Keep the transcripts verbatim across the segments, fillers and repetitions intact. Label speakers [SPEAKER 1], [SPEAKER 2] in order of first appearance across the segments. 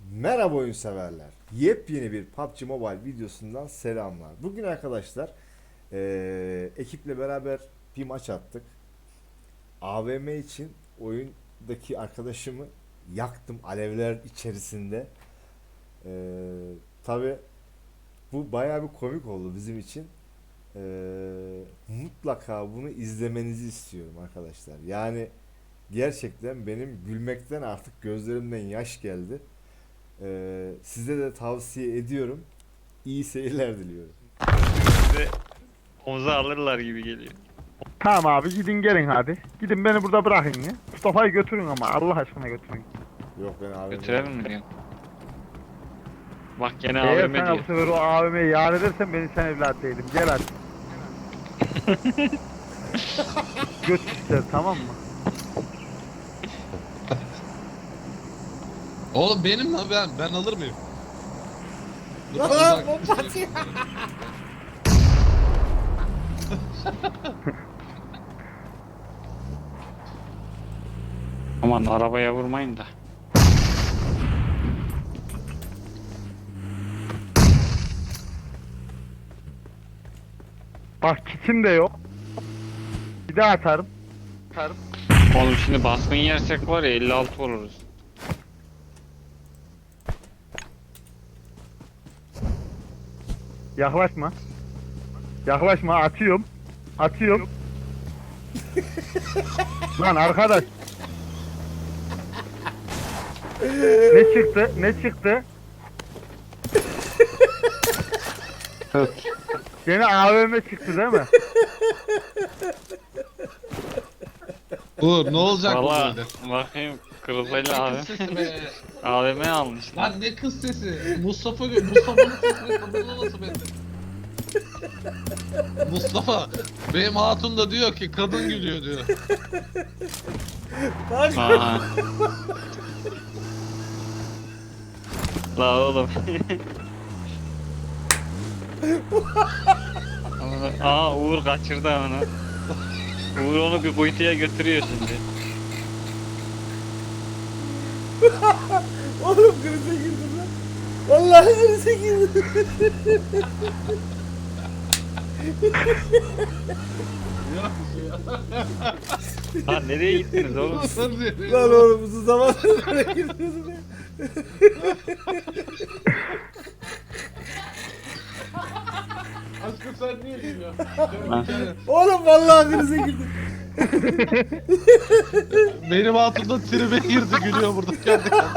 [SPEAKER 1] Merhaba oyun severler. Yepyeni bir P U B G Mobile videosundan selamlar. Bugün arkadaşlar eee, ekiple beraber bir maç attık. A V M için oyundaki arkadaşımı yaktım alevler içerisinde. Eee Tabi bu bayağı bir komik oldu bizim için. Eee, mutlaka bunu izlemenizi istiyorum arkadaşlar. Yani gerçekten benim gülmekten artık gözlerimden yaş geldi. Ee, size de tavsiye ediyorum. İyi seyirler diliyorum.
[SPEAKER 2] Bizi omuza alırlar gibi geliyor.
[SPEAKER 3] Tamam abi gidin gelin hadi. Gidin beni burada bırakın ya. Mustafa'yı götürün ama Allah aşkına götürün.
[SPEAKER 1] Yok ben abi.
[SPEAKER 2] Götürelim mi diyorsun? Bak gene
[SPEAKER 3] Eğer
[SPEAKER 2] A V M
[SPEAKER 3] sen bu
[SPEAKER 2] diyor.
[SPEAKER 3] sefer o A V M'yi yar edersen beni sen evlat değilim. Gel hadi. Göt ister tamam mı?
[SPEAKER 4] Oğlum benim lan ben ben alır mıyım? Dur,
[SPEAKER 1] Lan
[SPEAKER 4] uzak-
[SPEAKER 1] bomba atıyor.
[SPEAKER 2] Aman arabaya vurmayın da.
[SPEAKER 3] Bak kitim de yok. Bir daha atarım. Atarım.
[SPEAKER 2] Oğlum şimdi baskın yersek var ya elli altı oluruz.
[SPEAKER 3] Yaklaşma. Yaklaşma atıyorum. Atıyorum. Lan arkadaş. Ne çıktı? Ne çıktı? Gene A V M çıktı değil mi?
[SPEAKER 4] Uğur ne olacak bu
[SPEAKER 2] Valla
[SPEAKER 4] böyle?
[SPEAKER 2] bakayım kırılsayla
[SPEAKER 4] Ne
[SPEAKER 2] A
[SPEAKER 4] kız
[SPEAKER 2] V
[SPEAKER 4] sesi
[SPEAKER 2] M.
[SPEAKER 4] be?
[SPEAKER 2] A V M almış lan.
[SPEAKER 4] Lan ne kız sesi? Mustafa gö- Mustafa'nın sesini kadınla nasıl bende? Mustafa benim hatun da diyor ki kadın gülüyor diyor.
[SPEAKER 2] Aha. La oğlum. Amına- Aa Uğur kaçırdı onu. Uğur onu bir kuytuya götürüyor şimdi.
[SPEAKER 1] Oğlum krize girdim lan. Vallahi krize girdim.
[SPEAKER 4] Yok bir şey ya.
[SPEAKER 2] Ha nereye gittiniz oğlum?
[SPEAKER 1] Lan oğlum uzun zamandır böyle girmiyordum ya.
[SPEAKER 4] Aşkım sen niye gülüyorsun?
[SPEAKER 2] Lan.
[SPEAKER 1] Oğlum vallahi krize girdim.
[SPEAKER 4] Benim hatun da tribe girdi gülüyor burada kendi kendine.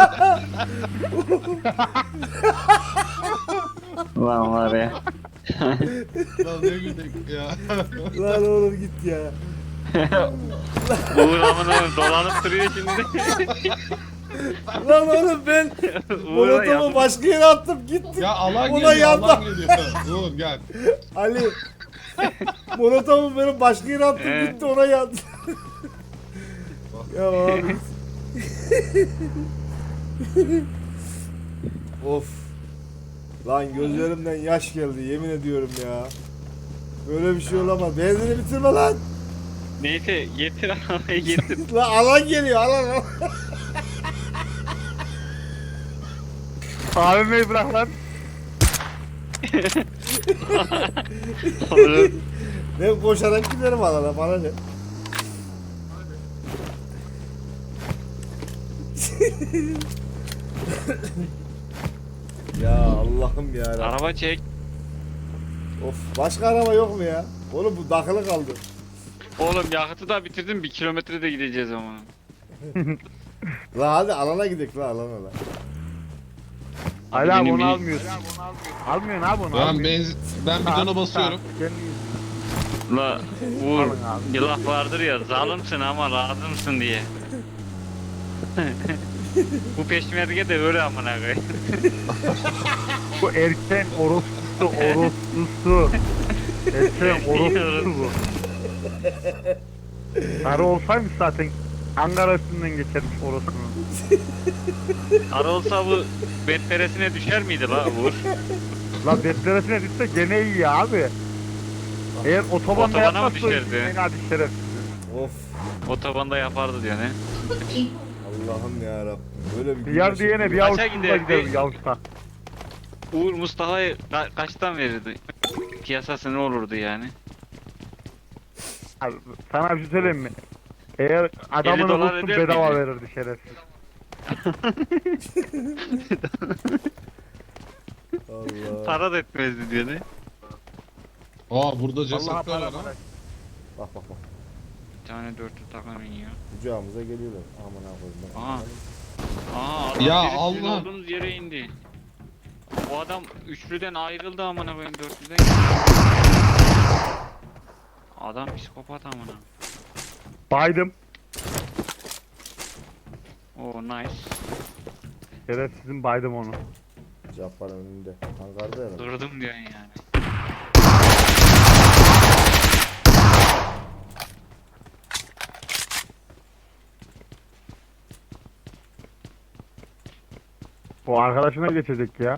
[SPEAKER 2] Lan var ya.
[SPEAKER 4] Lan ne güldük ya.
[SPEAKER 1] Lan oğlum git ya.
[SPEAKER 2] Uğur amına dolanıp duruyor şimdi.
[SPEAKER 1] Lan oğlum ben
[SPEAKER 2] Uğur'a
[SPEAKER 1] monotomu
[SPEAKER 2] yardım-
[SPEAKER 1] başka yere attım gittim.
[SPEAKER 4] Ya alan
[SPEAKER 1] Ona
[SPEAKER 4] geliyor
[SPEAKER 1] yandan-
[SPEAKER 4] alan geliyor. Uğur gel.
[SPEAKER 1] Ali monotomu benim başka yere attım
[SPEAKER 2] Ee?
[SPEAKER 1] gitti ona yandı. Ya abi. Of. Lan gözlerimden yaş geldi yemin ediyorum ya. Böyle bir şey olamaz. Benzini bitirme lan.
[SPEAKER 2] Neyse getir arabayı getir.
[SPEAKER 1] Lan alan geliyor alan. alan.
[SPEAKER 3] A V M'yi bırak lan.
[SPEAKER 2] Oğlum,
[SPEAKER 1] Ben koşarak giderim alana bana ne? Ya Allah'ım ya. Rabbim.
[SPEAKER 2] araba çek.
[SPEAKER 1] Of başka araba yok mu ya? Oğlum bu dakılı kaldı.
[SPEAKER 2] Oğlum yakıtı da bitirdim bir kilometre de gideceğiz ama.
[SPEAKER 1] La hadi alana gidelim la alana la.
[SPEAKER 2] Hadi
[SPEAKER 3] Hala
[SPEAKER 2] benim
[SPEAKER 3] onu
[SPEAKER 2] bir-
[SPEAKER 3] almıyorsun. Almıyorsun abi onu.
[SPEAKER 4] Ben
[SPEAKER 3] almıyorsun.
[SPEAKER 4] benzin ben bidona basıyorum.
[SPEAKER 3] Kendi yüzünden.
[SPEAKER 2] La Uğur
[SPEAKER 3] Alın abi.
[SPEAKER 2] bir laf vardır ya zalimsin ama lazımsın diye. Bu peşmerge de öyle amına koyayım.
[SPEAKER 3] Bu erken orospusu orospusu. Erken orospusu bu. Sarı olsaymış zaten Ankara üstünden geçermiş orospunun.
[SPEAKER 2] Ara olsa bu betperesine düşer miydi la Uğur?
[SPEAKER 3] La betleresine düşse gene iyi ya abi. Eğer otobanda
[SPEAKER 2] Otobana mı
[SPEAKER 3] yapmazsa
[SPEAKER 2] düşerdi?
[SPEAKER 3] en hadi şeref.
[SPEAKER 1] Of
[SPEAKER 2] Otobanda yapardı diyor ne?
[SPEAKER 1] Allah'ım ya Rabbim. Böyle bir
[SPEAKER 3] Bir yer
[SPEAKER 1] güneş-
[SPEAKER 3] diyene bir
[SPEAKER 2] Kaça
[SPEAKER 3] avuç tuzla
[SPEAKER 2] giderdi?
[SPEAKER 3] gider yavuşta.
[SPEAKER 2] Uğur Mustafa'yı ka- kaçtan verirdi? Piyasası ne olurdu yani?
[SPEAKER 3] Abi, sana bir şey söyleyeyim mi? Eğer adamını
[SPEAKER 2] dolar
[SPEAKER 3] vursun
[SPEAKER 2] eder
[SPEAKER 3] bedava
[SPEAKER 2] miydi?
[SPEAKER 3] verirdi şerefsiz.
[SPEAKER 1] Allah.
[SPEAKER 2] Para da etmezdi diyor ne?
[SPEAKER 4] Aa burada
[SPEAKER 3] Allah'a
[SPEAKER 4] cesetler
[SPEAKER 3] para
[SPEAKER 4] var ha.
[SPEAKER 3] para.
[SPEAKER 1] Bak bak bak.
[SPEAKER 2] Bir tane dörtlü takım iniyor.
[SPEAKER 1] Kucağımıza geliyorlar. Aman ha koyayım.
[SPEAKER 2] Aa. Aa adam
[SPEAKER 4] Ya
[SPEAKER 2] biri sizin
[SPEAKER 4] Allah.
[SPEAKER 2] olduğunuz yere indi. O adam üçlüden ayrıldı amına koyayım dörtlüden. Adam psikopat amına.
[SPEAKER 3] Baydım.
[SPEAKER 2] Oo nice.
[SPEAKER 3] Şerefsizim baydım onu.
[SPEAKER 1] Cabbar'ın önünde. Hangarda herhalde.
[SPEAKER 2] Kırdım diyorsun yani.
[SPEAKER 3] O arkadaşına geçecek ya.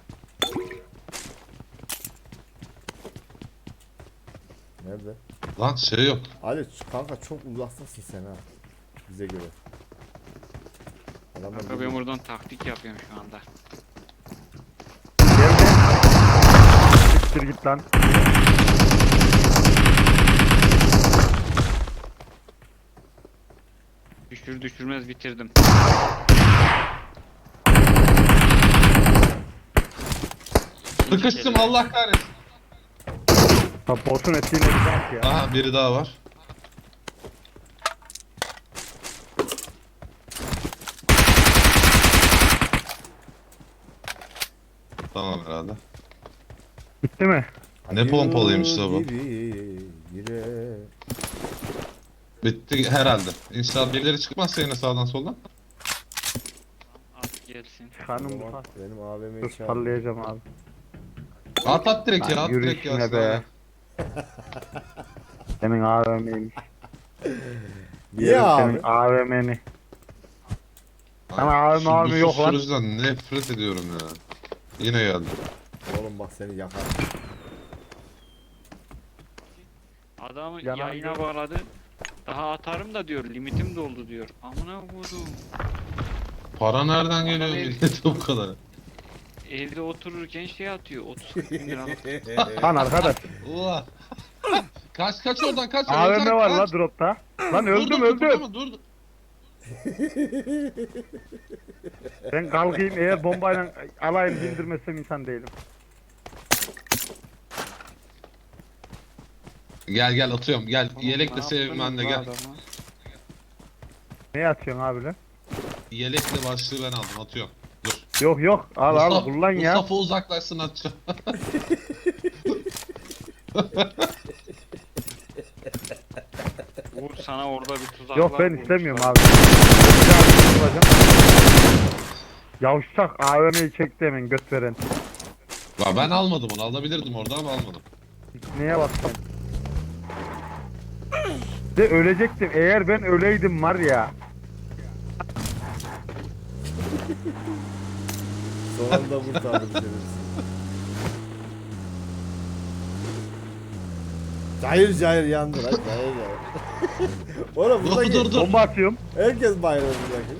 [SPEAKER 1] Nerede?
[SPEAKER 4] Lan şey yok.
[SPEAKER 1] Ali kanka çok uzaktasın sen ha. Bize göre. Adamlar
[SPEAKER 2] Kanka ben
[SPEAKER 1] geliyor.
[SPEAKER 2] buradan taktik yapıyorum şu anda.
[SPEAKER 3] Geldi. Siktir git lan.
[SPEAKER 2] Düşür düşürmez bitirdim.
[SPEAKER 4] Sıkıştım Allah kahretsin.
[SPEAKER 3] Ha, botun ettiğine bir bak ya.
[SPEAKER 4] Aha biri daha var. Tamam herhalde.
[SPEAKER 3] Bitti mi?
[SPEAKER 4] Ne pompalıymış da bu.
[SPEAKER 1] Gibi yine.
[SPEAKER 4] Bitti herhalde. İnşallah birileri çıkmazsa yine sağdan soldan.
[SPEAKER 2] At gelsin.
[SPEAKER 3] Kanım bu.
[SPEAKER 1] Tamam, benim A V
[SPEAKER 3] Dur
[SPEAKER 1] M'yi çağır.
[SPEAKER 3] sallayacağım abi.
[SPEAKER 4] At at direkt ya
[SPEAKER 3] Lan
[SPEAKER 4] at
[SPEAKER 3] yürü
[SPEAKER 4] direkt ya.
[SPEAKER 3] işine be. Senin A V M'ymiş.
[SPEAKER 1] Niye abi?
[SPEAKER 3] Senin A V M'ni. Sana
[SPEAKER 4] Ay,
[SPEAKER 3] abi,
[SPEAKER 4] şu
[SPEAKER 3] abi
[SPEAKER 4] bu
[SPEAKER 3] yok lan.
[SPEAKER 4] susturucudan nefret ediyorum ya. Yine geldi.
[SPEAKER 1] Oğlum bak seni yakar.
[SPEAKER 2] Adamı
[SPEAKER 3] Yanar
[SPEAKER 2] yayına
[SPEAKER 3] ya.
[SPEAKER 2] bağladı. Daha atarım da diyor limitim doldu diyor. Amına koydum.
[SPEAKER 4] Para nereden geliyor
[SPEAKER 2] Adam
[SPEAKER 4] millete bu kadar?
[SPEAKER 2] Evde otururken şey atıyor. otuz kırk bin lira.
[SPEAKER 3] Lan arkadaş.
[SPEAKER 4] Ulan. Kaç kaç oradan kaç.
[SPEAKER 3] A V
[SPEAKER 4] öleceksin,
[SPEAKER 3] M var la
[SPEAKER 4] kaç.
[SPEAKER 3] dropta. Lan
[SPEAKER 4] Dur,
[SPEAKER 3] öldüm
[SPEAKER 4] dur,
[SPEAKER 3] öldüm.
[SPEAKER 4] kıpırdama, Dur dur.
[SPEAKER 3] Ben kalkayım eğer bombayla alayım bindirmezsem insan değilim.
[SPEAKER 4] Gel gel atıyorum gel. Yelek de
[SPEAKER 2] Ne
[SPEAKER 4] sevim ben de
[SPEAKER 2] yaptınız
[SPEAKER 4] gel.
[SPEAKER 2] bu adama?
[SPEAKER 3] Ne atıyorsun abi lan?
[SPEAKER 4] Yelekle başlığı ben aldım atıyorum. Dur.
[SPEAKER 3] Yok yok al al
[SPEAKER 4] Mustafa-
[SPEAKER 3] kullan ya.
[SPEAKER 4] Mustafa uzaklaşsın atacağım.
[SPEAKER 2] Uğur sana orada bir tuzak
[SPEAKER 3] Yok
[SPEAKER 2] var
[SPEAKER 3] ben
[SPEAKER 2] kurmuşlar.
[SPEAKER 3] istemiyorum abi. Bir daha bir bulacağım. Yavşak A V M'yi çekti hemen göt veren.
[SPEAKER 4] Ya ben almadım onu alabilirdim orada ama almadım.
[SPEAKER 3] Neye bastım? De ölecektim. Eğer ben öleydim var ya.
[SPEAKER 1] Son anda kurtardım seni. Cayır cayır yandı lan. Cayır cayır. Oğlum
[SPEAKER 4] Dur
[SPEAKER 1] buradaki
[SPEAKER 4] dur dur.
[SPEAKER 3] Bomba atıyorum.
[SPEAKER 1] herkes bayrağı buradaki.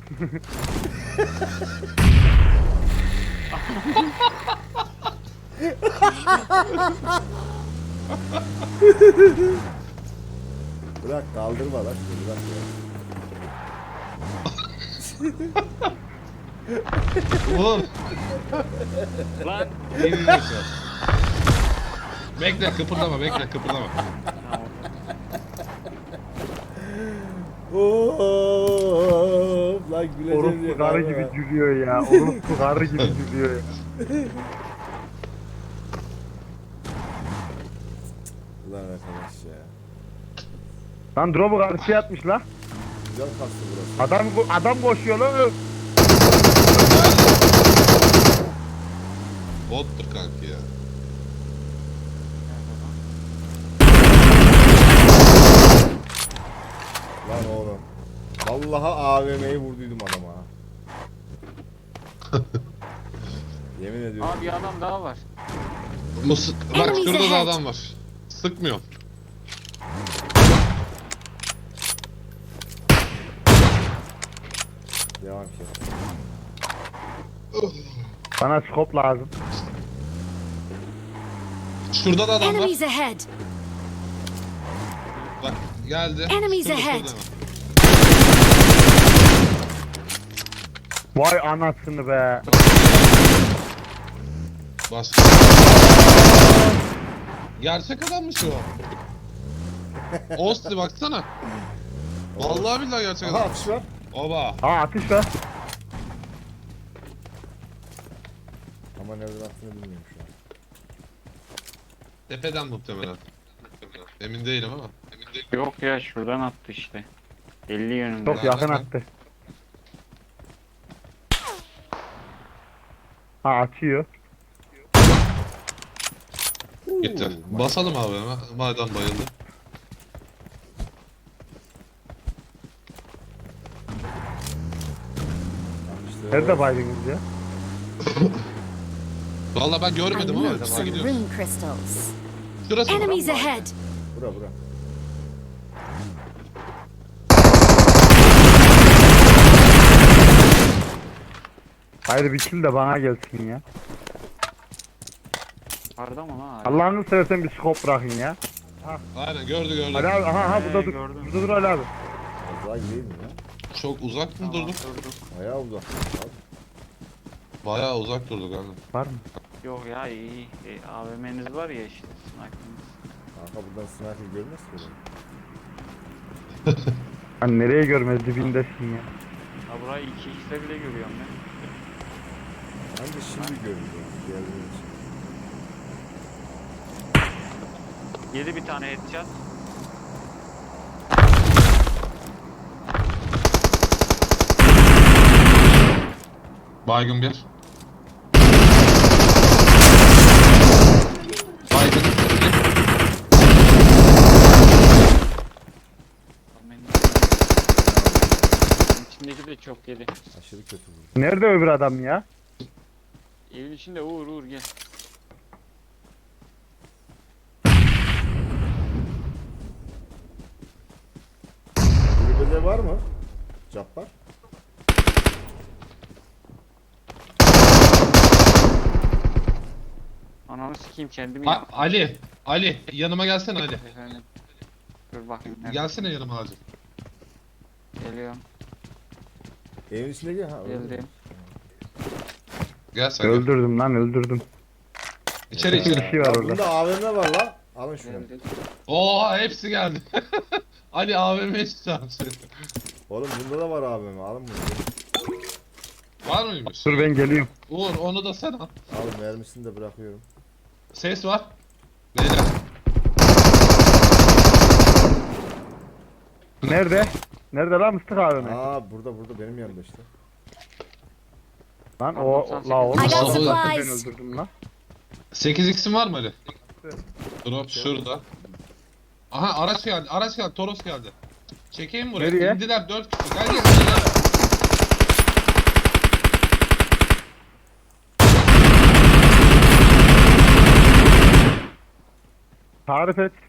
[SPEAKER 1] Bırak kaldırma lan şunu, bırak ya.
[SPEAKER 4] Oğlum.
[SPEAKER 2] Lan
[SPEAKER 4] İnmiyorsun. Bekle kıpırdama bekle kıpırdama.
[SPEAKER 1] Oo, lan güleceğim diye
[SPEAKER 3] Orospu karı
[SPEAKER 1] kaldırma.
[SPEAKER 3] gibi gülüyor ya. Orospu karı gibi gülüyor ya.
[SPEAKER 1] Ulan arkadaş ya.
[SPEAKER 3] Lan drop'u karşıya atmış la.
[SPEAKER 1] Güzel kastı burası.
[SPEAKER 3] Adam adam koşuyor lan.
[SPEAKER 4] Bottur kanki ya.
[SPEAKER 1] Lan oğlum. Vallahi A V M'yi vurduydum adama. ha. Yemin ediyorum.
[SPEAKER 2] abi bir adam daha var.
[SPEAKER 4] Mus bak şurada da adam var. Sıkmıyor.
[SPEAKER 1] Devam ki.
[SPEAKER 3] Bana skop lazım.
[SPEAKER 5] Şurada da adam var.
[SPEAKER 6] Enemies ahead!
[SPEAKER 5] Bak geldi.
[SPEAKER 6] Enemies
[SPEAKER 5] Şurada,
[SPEAKER 6] ahead.
[SPEAKER 5] şurada.
[SPEAKER 3] Vay anasını be.
[SPEAKER 5] Bas. Gerçek adammış o. Osti baksana. Vallahi billahi gerçek
[SPEAKER 1] Aha
[SPEAKER 5] adam.
[SPEAKER 1] atış var.
[SPEAKER 5] Oba.
[SPEAKER 3] Aa atış var.
[SPEAKER 1] Ama nereden attığını bilmiyorum şu an.
[SPEAKER 5] Tepeden muhtemelen. Emin değilim ama. Emin değilim.
[SPEAKER 2] Yok ya şuradan attı işte. elli yönünde.
[SPEAKER 3] Çok yakın attı. Ha açıyor.
[SPEAKER 5] Gitti. Basalım abi hemen. Madem bayıldı.
[SPEAKER 1] İşte
[SPEAKER 3] Nerede baydınız ya?
[SPEAKER 5] Vallahi ben
[SPEAKER 6] I
[SPEAKER 5] görmedim ama
[SPEAKER 6] need
[SPEAKER 5] acaba
[SPEAKER 6] some
[SPEAKER 5] gidiyoruz.
[SPEAKER 6] rune crystals.
[SPEAKER 5] Şurası mı?
[SPEAKER 6] Enemies ahead!
[SPEAKER 1] Bura bura.
[SPEAKER 3] Haydi bir kill de bana gelsin ya.
[SPEAKER 2] Yukarıda mı lan? hala?
[SPEAKER 3] Allah'ını seversen bir skop bırakın ya.
[SPEAKER 5] Aynen gördü gördü.
[SPEAKER 3] Ali abi aha aha burada
[SPEAKER 2] Ee,
[SPEAKER 3] dur.
[SPEAKER 2] gördüm.
[SPEAKER 3] Burada dur Ali abi.
[SPEAKER 1] Az daha gideyim mi ya?
[SPEAKER 5] Çok uzak mı
[SPEAKER 2] Tamam,
[SPEAKER 5] durduk?
[SPEAKER 2] durduk.
[SPEAKER 1] Bayağı uzak. Abi.
[SPEAKER 5] Bayağı uzak durduk abi.
[SPEAKER 3] Var mı?
[SPEAKER 2] Yok ya iyi. E, A V M'niz var ya işte. Sniper'ınız.
[SPEAKER 1] Kanka buradan sniper görmez ki oğlum.
[SPEAKER 3] Hani nereye görmez dibindesin ya.
[SPEAKER 2] Ha burayı iki x'e bile görüyorum ben.
[SPEAKER 1] Ben de şimdi görüyorum. Diğerleri için.
[SPEAKER 2] Yedi bir tane headshot.
[SPEAKER 5] Baygın bir. Baygın.
[SPEAKER 2] Benim içindeki de çok yedi.
[SPEAKER 1] Aşırı kötü bu.
[SPEAKER 3] Nerede öbür adam ya?
[SPEAKER 2] Evin içinde Uğur Uğur gel.
[SPEAKER 1] Kulübede var mı? Cabbar.
[SPEAKER 2] Ananı sikeyim kendimi
[SPEAKER 5] A-
[SPEAKER 2] yaptım.
[SPEAKER 5] Ali. Ali yanıma gelsene Ali.
[SPEAKER 2] Efendim. Dur bakayım. nerede?
[SPEAKER 5] Gelsene yanıma acil.
[SPEAKER 2] Geliyorum.
[SPEAKER 1] Evin içinde gel. Ha, öyle.
[SPEAKER 2] Geldim.
[SPEAKER 5] Gel sen gel.
[SPEAKER 3] Öldürdüm lan öldürdüm.
[SPEAKER 5] İçeri
[SPEAKER 3] Bir
[SPEAKER 5] içeri.
[SPEAKER 3] şey var
[SPEAKER 1] Ya
[SPEAKER 3] orada.
[SPEAKER 1] bunda A V M var lan. Alın şunu.
[SPEAKER 2] Geldim.
[SPEAKER 5] Oha hepsi geldi. Ali A V M'ye çıkacağım seni.
[SPEAKER 1] Oğlum bunda da var A V M. Alın bunu.
[SPEAKER 5] Var mıymış?
[SPEAKER 3] Dur ben geliyorum.
[SPEAKER 5] Uğur onu da sen al.
[SPEAKER 1] Al mermisini de bırakıyorum.
[SPEAKER 5] Ses var. Beyler.
[SPEAKER 3] Nerede? Nerede lan Mıstık abi mi?
[SPEAKER 1] Aa burada burada benim yanımda işte.
[SPEAKER 3] Lan o la o.
[SPEAKER 6] I got
[SPEAKER 5] Vallahi
[SPEAKER 3] Ben
[SPEAKER 6] supplies!
[SPEAKER 3] öldürdüm lan.
[SPEAKER 5] sekiz x'in var mı Ali? Drop şurada. Aha araç geldi. Araç geldi. Toros geldi. Çekeyim buraya.
[SPEAKER 3] Nereye?
[SPEAKER 5] İndiler dört kişi. Gel gel. gel.
[SPEAKER 3] Tarif et.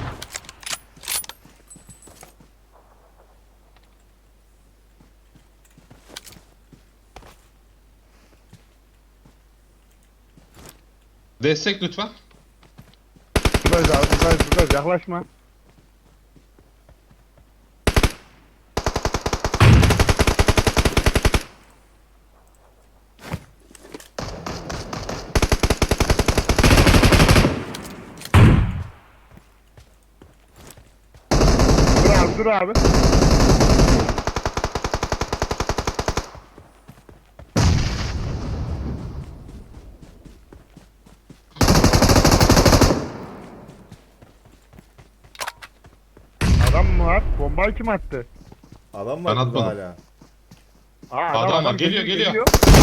[SPEAKER 5] Destek lütfen.
[SPEAKER 3] Buradayız abi buradayız buradayız yaklaşma. Dur abi dur abi. Adam mı var? Bombayı kim attı?
[SPEAKER 1] Adam var
[SPEAKER 5] Ben
[SPEAKER 1] burada
[SPEAKER 5] atmadım.
[SPEAKER 1] hala.
[SPEAKER 3] Aa,
[SPEAKER 5] Adam var, geliyor, geliyor.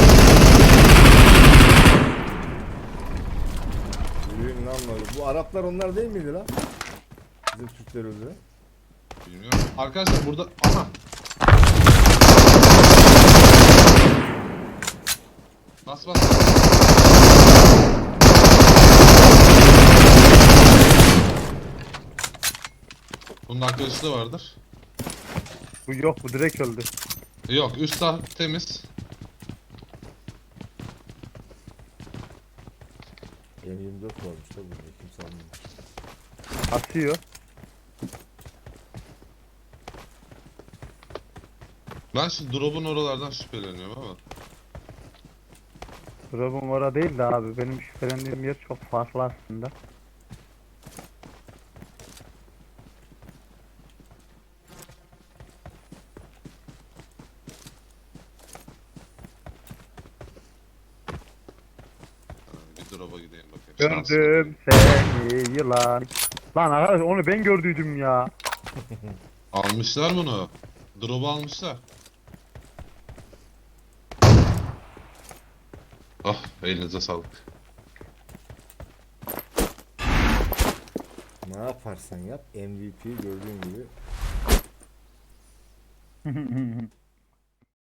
[SPEAKER 1] Yürüyün lan böyle. Bu Araplar onlar değil miydi lan? Bizim Türkler öldü.
[SPEAKER 5] Bilmiyorum. Arkadaşlar burada aha. Bas bas. Bunun arkadaşı da vardır.
[SPEAKER 3] Bu yok bu direkt öldü.
[SPEAKER 5] Yok üst taraf temiz.
[SPEAKER 1] M yirmi dört varmış da burada kimse almamış.
[SPEAKER 3] Atıyor.
[SPEAKER 5] Ben şu drop'un oralardan şüpheleniyorum ama.
[SPEAKER 3] Drop'um orada değil de abi. Benim şüphelendiğim yer çok farklı aslında.
[SPEAKER 5] Ha, bir drop'a gideyim bakayım. Şanslı.
[SPEAKER 3] Gördüm seni yılan. Lan arkadaş onu ben gördüydüm ya.
[SPEAKER 5] Almışlar bunu. Drop'u almışlar. Ah elinize sağlık.
[SPEAKER 1] Ne yaparsan yap M V P gördüğün gibi